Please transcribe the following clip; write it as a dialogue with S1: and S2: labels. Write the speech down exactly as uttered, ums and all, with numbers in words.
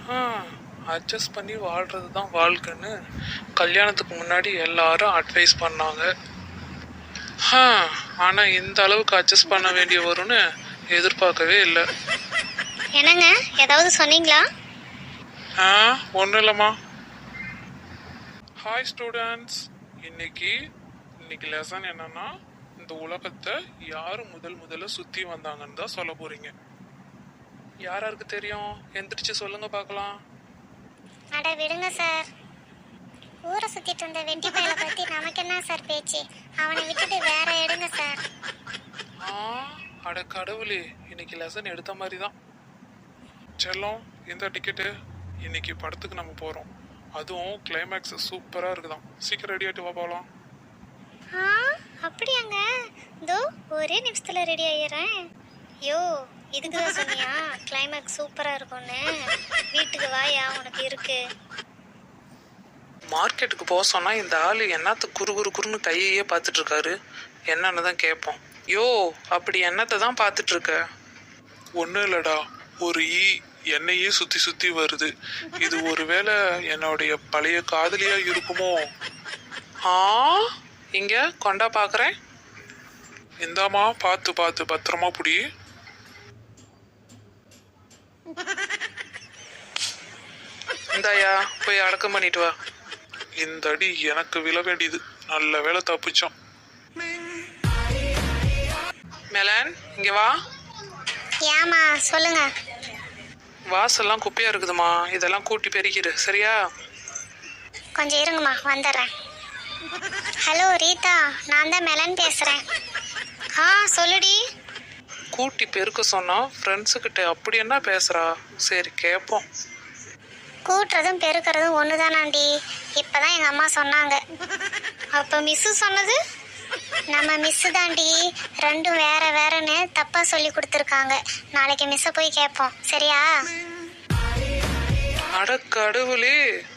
S1: Adjust பண்ணி வாழ்கிறது தான் வாழ்க்கைன்னு கல்யாணத்துக்கு முன்னாடி எல்லாரும் அட்வைஸ் பண்ணாங்க. ஆனால் இந்த அளவுக்கு அட்ஜஸ்ட் பண்ண வேண்டிய வரும்னு எதிர்பார்க்கவே இல்லை.
S2: என்னங்க ஏதாவது சொன்னீங்களா?
S1: ஆ ஒன்றும் இல்லைம்மா. ஹாய் ஸ்டூடெண்ட்ஸ், இன்னைக்கு இன்னைக்கு லெசன் என்னன்னா, இந்த உலகத்தை யாரு முதல் முதல்ல சுற்றி வந்தாங்கன்னு தான் சொல்ல போறீங்க. யாராருக்கு தெரியும்? எந்திரிச்சு சொல்லுங்க பார்க்கலாம்.
S2: அட விடுங்க சார், ஊரை சுத்திட்டு இருந்த வெட்டி பயல பத்தி நமக்கு என்ன சார் பேச்சு? அவனை விட்டுட்டு வேற எடுங்க சார்.
S1: ஆ அட கடவுளே, இன்னைக்கு லெசன் எடுத்த மாதிரி தான். செல்லம், இந்த டிக்கெட்டு. இன்னைக்கு படத்துக்கு நம்ம போறோம். அதுவும் கிளைமேக்ஸ் சூப்பரா இருக்குதான். சீக்கிரம் ரெடி ஆயிட்டு வா போகலாம்.
S2: ஆ அப்படியாங்க? இதோ ஒரே நிமிஷத்துல ரெடி ஆயிடுறேன். யோ இதுக்கு தான் சொன்னியா கிளைமேக்ஸ் சூப்பரா இருக்கும்னு? வீட்டுக்கு வாயா, உனக்கு இருக்கு.
S1: மார்க்கெட்டுக்கு போக சொன்னா இந்த ஆளு என்னத்த குறு குறு குறுன்னு கையையே பார்த்துட்டு இருக்காரு. என்னன்னு தான் கேட்போம். யோ அப்படி என்னத்தை தான் பார்த்துட்டு இருக்க? ஒன்றும் இல்லடா, ஒரு ஈ என்னையே சுத்தி சுத்தி வருது. இது ஒருவேளை என்னுடைய பழைய காதலியா இருக்குமோ? ஆ இங்க கொண்டா பாக்குறேன். இந்தாமா, பார்த்து பார்த்து பத்திரமா புடி. இந்தாயா, போய் அடக்கம் பண்ணிட்டு வா. இந்த அடி எனக்கு விழ வேண்டியது. நல்ல வேலை தப்பிச்சோம். மெலன் இங்க வா.
S2: ஏமா சொல்லுங்க.
S1: வாசல்லாம் குப்பையா இருக்குதுமா, இதெல்லாம் கூட்டி பெருக்கிடு சரியா?
S2: கொஞ்சம் இருங்கம்மா, வந்துடுறேன். ஹலோ ரீதா, நான் தான் மெலன் பேசுறேன். ஆ சொல்லுடி.
S1: கூட்டி பெருக்க சொன்னா ஃப்ரெண்ட்ஸுக்கிட்ட அப்படி என்ன பேசுறா? சரி கேட்போம்.
S2: கூட்டுறதும் பெருக்கிறதும் ஒன்று தானாண்டி, இப்போதான் எங்கள் அம்மா சொன்னாங்க. அப்போ மிஸ்ஸு சொன்னது? நம்ம மிஸ்ஸு தாண்டி, ரெண்டும் வேற வேறன்னு தப்பாக சொல்லி கொடுத்துருக்காங்க. நாளைக்கு மிஸ்ஸை போய் கேட்போம் சரியா?
S1: அட கடவுளே,